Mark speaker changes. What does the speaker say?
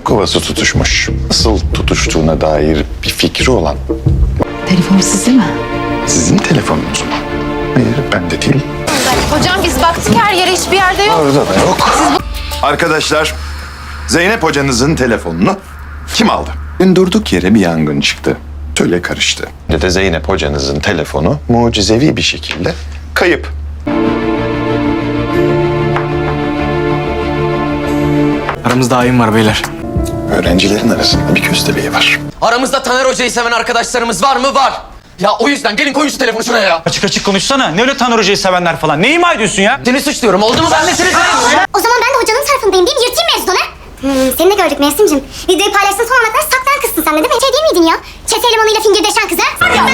Speaker 1: kovası tutuşmuş. Nasıl tutuştuğuna dair bir fikri olan.
Speaker 2: Telefon sizde mi?
Speaker 1: Sizin telefonunuz mu? Hayır, bende değil.
Speaker 3: Hocam biz baktık her yere, hiçbir yerde yok.
Speaker 1: Orada da yok. Arkadaşlar, Zeynep hocanızın telefonunu kim aldı? Durduk yere bir yangın çıktı. Töle karıştı. De Zeynep hocanızın telefonu mucizevi bir şekilde kayıp.
Speaker 4: Aramızda hain var beyler.
Speaker 1: Öğrencilerin arasında bir köstebeği var.
Speaker 5: Aramızda Taner Hoca'yı seven arkadaşlarımız var mı? Var. Ya o yüzden gelin koyun şu telefonu şuraya ya.
Speaker 4: Açık açık konuşsana. Ne öyle Taner Hoca'yı sevenler falan. Ne ima ediyorsun ya?
Speaker 5: Seni suçluyorum. Oldu mu? Ben de seni suçluyorum.
Speaker 6: O zaman ben de hocanın tarafındayım değil mi? Yırtayım mevzunu. Seni de gördük Mevsim'cim. Videoyu paylaştın son ana kadar saklan kızsın sen de değil mi? Şey değil miydin ya? Çete elemanıyla fingirdeşen kız ha?